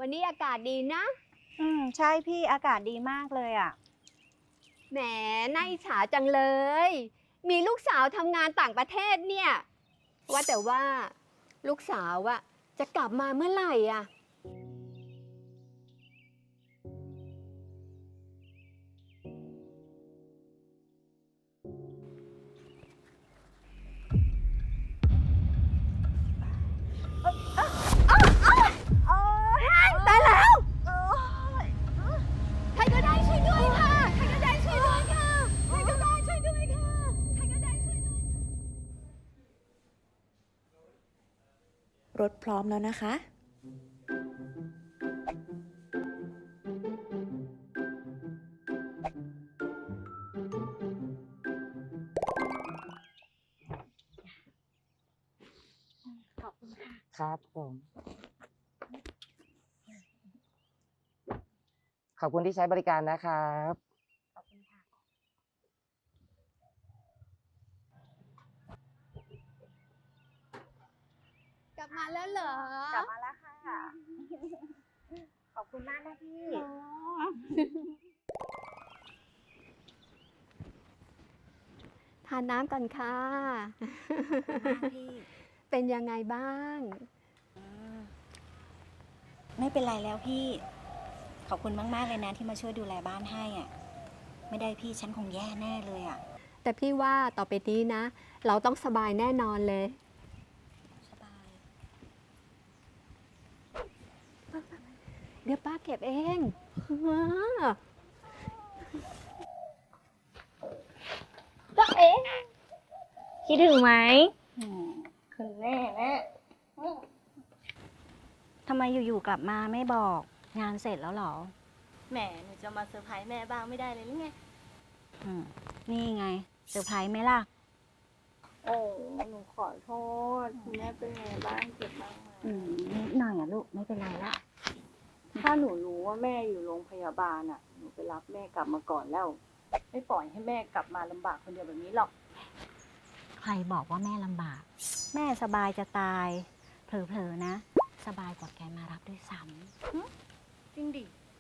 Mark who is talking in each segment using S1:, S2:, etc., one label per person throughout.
S1: วันนี้อากาศดีนะ
S2: ใช่พี่อากาศดีมากเลยอ่ะ
S1: แหมน่าอิจฉาจังเลย มีลูกสาวทำงานต่างประเทศเนี่ยว่าแต่ว่าลูกสาวอะจะกลับมาเมื่อไหร่อะตายแล้วใครก็ได้ช่วยด้วยค่ะใครก็ได้ช่วยด้วยค่ะใครก็ได้ช่วยด้วยค่ะใครก็ได้ช่วยด้วย
S3: รถพร้อมแล้วนะคะ
S2: ขอบคุณค่ะ
S4: ครับผมขอบคุณที่ใช้บริการนะครับ
S2: ขอบคุณค่ะ
S1: กลับมาแล้วเหรอ
S2: กลับมาแล้วค่ะ ขอบคุณมากนะพี่
S1: ทานน้ำก่อนค่ะ
S2: พี่
S1: เป็นยังไงบ้าง
S2: ไม่เป็นไรแล้วพี่ ขอบคุณมากๆเลยนะที่มาช่วยดูแลบ้านให้อ่ะ ไม่ได้พี่ฉันคงแย่แน่เลยอ่ะ
S1: แต่พี่ว่าต่อไปนี้นะ เราต้องสบายแน่นอนเลย
S2: สบาย
S1: เดี๋ยวป้าเก็บเอง
S2: ก็เอ๊ะคิดถึงไหมคุณแม่นะทำไมอยู่ๆกลับมาไม่บอกงานเสร็จแล้วเหรอ
S5: แหมหนูจะมาเซอร์ไพรส์แม่บ้างไม่ได้เลยหรือไง
S2: นี่ไงเซอร์ไพรส์ไหมล่ะ
S5: โอ้หนูขอโทษคุณแม่เป็นไงบ้างเจ็บบ้างไหม
S2: นิดหน่อยอ่ะลูกไม่เป็นไรละ
S5: ถ้าหนูรู้ว่าแม่อยู่โรงพยาบาลอ่ะ หนูไปรับแม่กลับมาก่อนแล้ว ไม่ปล่อยให้แม่กลับมาลำบากคนเดียวแบบนี้หรอก
S2: ใครบอกว่าแม่ลำบาก แม่สบายจะตาย เผลอๆนะ สบายกว่าแกมารับด้วยซ้
S5: จริงดิ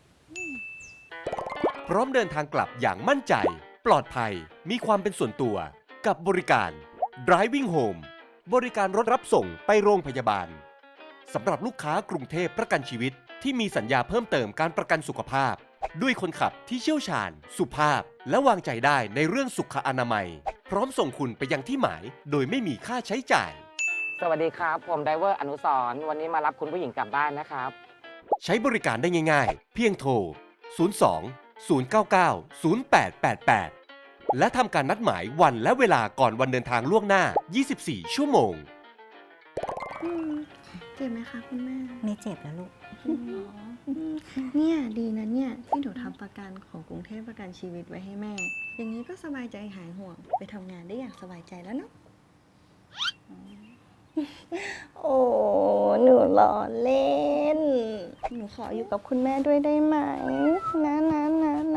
S6: พร้อมเดินทางกลับอย่างมั่นใจ ปลอดภัย มีความเป็นส่วนตัว กับบริการ Driving Home บริการรถรับส่งไปโรงพยาบาล สำหรับลูกค้ากรุงเทพประกันชีวิตที่มีสัญญาเพิ่มเติมการประกันสุขภาพ ด้วยคนขับที่เชี่ยวชาญ สุภาพ และวางใจได้ในเรื่องสุขอนามัย พร้อมส่งคุณไปยังที่หมาย โดยไม่มีค่าใช้จ่าย
S4: สวัสดีครับ ผมไดเวอร์อนุสรณ์วันนี้มารับคุณผู้หญิงกลับบ้านนะครับ
S6: ใช้บริการได้ง่ายๆ เพียงโทร 02 099 0888 และทำการนัดหมายวันและเวลาก่อนวันเดินทางล่วงหน้า 24 ชั่วโมง
S7: เจ็บไหมคะคุณแม่
S2: ำไม่เจ็บแล้วลูก
S7: เนี่ยดีนะเนี่ยที่หนูทำประกันของกรุงเทพประกันชีวิตไว้ให้แม่ อย่างนี้ก็สบายใจหายห่วง ไปทำงานได้อย่างสบายใจแล้วเนาะ โอ้หนูล้อเล่น หนูขออยู่กับคุณแม่ด้วยได้ไหม นะ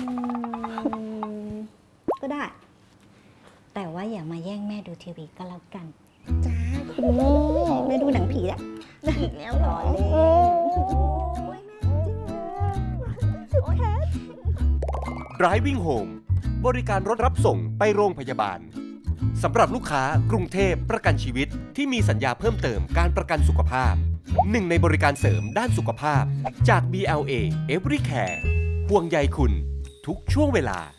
S2: ก็ได้ แต่ว่าอย่ามาแย่งแม่ดูทีวีก็แล้วกัน
S7: จ้าคุณแม่แม่ดูหนังผีแล้วอีกแล้วเหรอ
S6: Driving Home บริการรถรับส่งไปโรงพยาบาล สำหรับลูกค้ากรุงเทพประกันชีวิตที่มีสัญญาเพิ่มเติมการประกันสุขภาพ หนึ่งในบริการเสริมด้านสุขภาพจาก BLA Everycare ห่วงใยคุณทุกช่วงเวลา